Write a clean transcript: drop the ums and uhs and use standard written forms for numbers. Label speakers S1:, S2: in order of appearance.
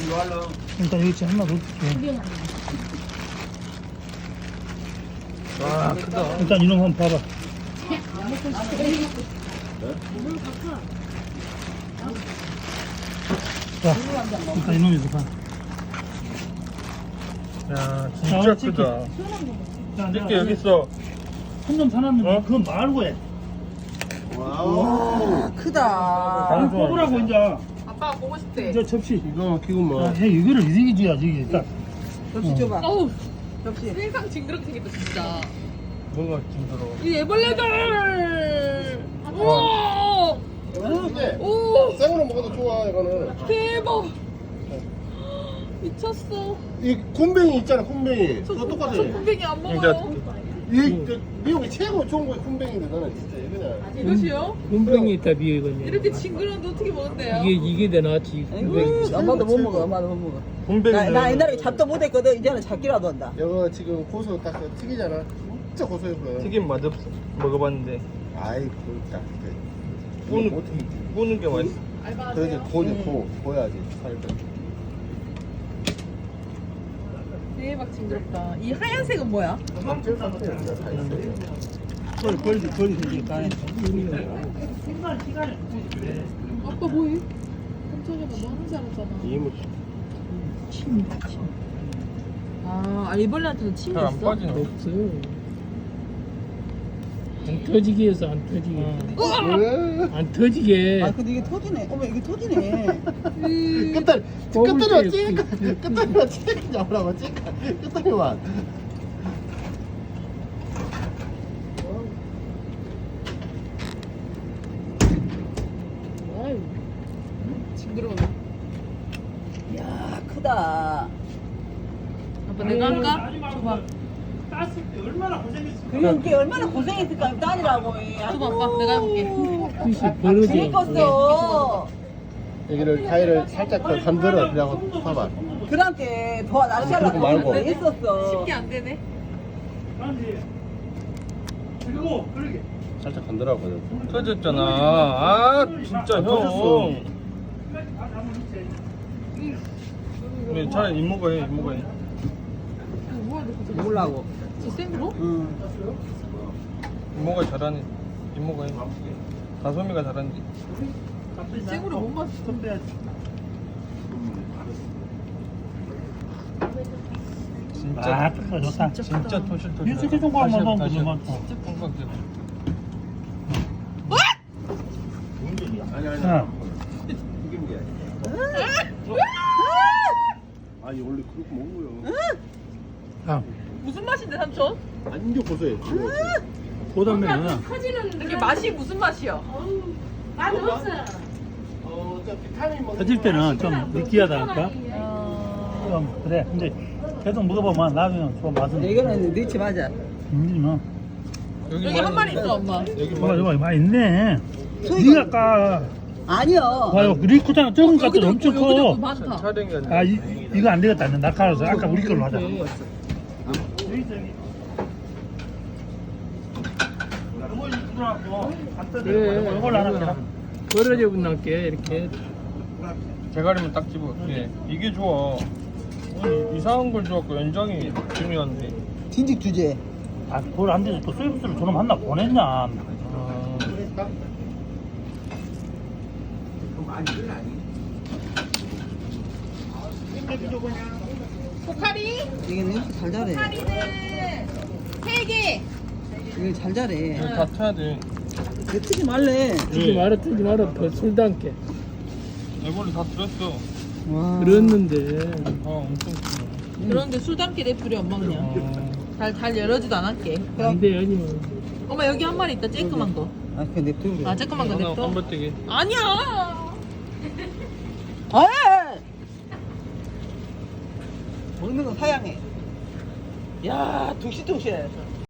S1: 일단 여기 하나 넣을게.
S2: 와 크다.
S1: 일단 이놈 한번 봐봐. 자, 일단 이놈에서 봐.
S2: 야
S1: 자,
S2: 진짜 크다.
S1: 자,
S2: 이렇게 여기 있어.
S1: 한놈 사놨는데
S2: 어?
S1: 그건 말고 해.
S3: 와, 크다.
S1: 아, 뽑으라고 이제.
S4: 아빠가 보고 싶대.
S1: 이제 접시.
S3: 이거 막히구만.
S1: 야, 이거를 이렇게 줘야지 이게 딱.
S3: 접시 줘봐.
S4: 어우,
S3: 접시.
S4: 세상 징그럽게 생겼다 진짜.
S2: 뭔가 힘들어.
S4: 이 애벌레들. 우와.
S3: 근데
S4: 오,
S3: 생으로 먹어도 좋아 이거는.
S4: 대박. 미쳤어.
S3: 이 군뱅이 있잖아 군뱅이. 그거 똑같아.
S4: 저 군뱅이 안
S2: 그러니까
S4: 먹어요.
S3: 이 미국이 최고 좋은 거 군뱅인데 나는 진짜 그냥.
S4: 이것이요?
S5: 군뱅이 있다 비거든요.
S4: 이렇게 징그러운데 어떻게 먹는데요?
S5: 이게 더 낫지. 군뱅이.
S6: 엄마도 못 먹어, 엄마도 못 먹어.
S2: 군뱅이는
S6: 나 옛날에 잡도 못했거든. 이제는 잡기라도 한다.
S3: 이거 지금 고소 딱 튀기잖아. 진짜 고소해 보여.
S2: 튀김 맛없어. 먹어봤는데
S3: 아이 그딱
S2: 구는
S3: 못 튀기지.
S2: 구는 게 맛있어.
S3: 그러지 고지 고야지 살짝.
S4: 대박 징그럽다. 이 하얀색은 뭐야?
S3: 감질 상태야 진짜 다 있어요.
S1: 벌지 이니까.
S4: 아빠 뭐해? 깜짝이야, 뭐 하는 줄 알았잖아.
S3: 이모
S4: 아, 일벌레한테는 침이
S2: 잘 안
S4: 있어?
S2: 빠지네.
S5: 없어. 안 터지게 해서 안 터지게. 안 터지게.
S6: 아, 근데 이게 터지네. 어머, 이게 터지네.
S3: 끝다리만 찌까 잡으라고 찌까 끝다리만.
S4: 아유, 징그러워.
S6: 이야, 크다.
S4: 아빠 내가 할까? 줘봐.
S1: 땄을 때 얼마나 고생했어.
S6: 그게 얼마나 고생했을까, 딸이라고.
S4: 줘봐, 아빠. 내가 해볼게.
S5: 뜻이 벌어져.
S6: 재밌었어.
S3: 여기를 가위를 살짝 더 건드려 그냥 봐봐.
S6: 그랑께 더 낚시하려고
S3: 그러지 말고.
S6: 했었어.
S4: 쉽게 안 되네.
S1: 그리고 그러게.
S3: 살짝 건드려거든.
S2: 터졌잖아. 아 진짜 형.
S3: 터졌어.
S2: 왜 차라리 이모가 해 이모가 해.
S4: 이거 뭐야, 너 진짜.
S6: 몰라고.
S4: 저 생으로?
S6: 응.
S2: 이모가 잘하네. 이모가 해. 다솜이가 잘하는데.
S4: 생으로 못 맞춰.
S2: 진짜
S1: 아, 크다 좋다.
S2: 진짜 토실토실.
S1: 이렇게 정도만 먹으면 되지, 뭐.
S2: 진짜 뻥뻥 돼.
S1: 야,
S3: 아니 원래 그렇게 먹는 거요.
S1: 야,
S4: 무슨 맛인데, 삼촌?
S3: 완전 고소해.
S1: 보다면은
S4: 이게 맛이 무슨 맛이야?
S3: 저 비타민 먹는
S1: 터질 때는 좀 느끼하다 할까? 좀 그래. 근데 계속 먹어보면 나중에 좀 맛은.
S6: 이거는 넣지 맞아.
S1: 뭐.
S4: 여기 한 마리 있어, 엄마.
S2: 여기
S1: 이거 많이 있네. 네가 아까
S6: 아니요.
S1: 봐요. 리코잖아. 적은 것 같아. 엄청
S4: 여기도
S1: 커.
S4: 많다.
S2: 촬영이 안 돼.
S1: 아, 이거 안 되겠다. 낙하라서 아까 우리 걸로 하자.
S5: 그래.
S1: 이걸로 하나 해라.
S5: 벌어져 분날게 이렇게.
S2: 대가리만 딱 집어. 예. 이게 좋아. 아니, 이상한 걸 줘갖고 연장이 중요한데.
S6: 진직 주제.
S1: 아, 그걸 안 돼서 또 서비스를 저놈 하나 보냈냐.
S2: 아,
S4: 포카리?
S6: 이게 냄새 잘 잘해.
S4: 포카리는 3개.
S6: 이거 잘 잘해.
S2: 이거 다 타야 돼.
S6: 왜 트지 말래.
S5: 트지 마라 더 술 담게.
S2: 애벌레 다 들었어.
S6: 와.
S5: 그랬는데.
S2: 아, 엄청 크네.
S4: 그런데 술 담게 냅두려, 엄마 그냥. 잘 열어주도 않았게.
S5: 안돼 아니면.
S4: 엄마 여기 한 마리 있다, 쬐끄만 거.
S6: 아, 그 냅두고 그래.
S4: 아, 쬐끄만 거
S2: 하나
S4: 냅둬.
S2: 한번뜨기.
S4: 아니야.
S6: 아! 먹는 거 사양해. 야, 둥실둥실.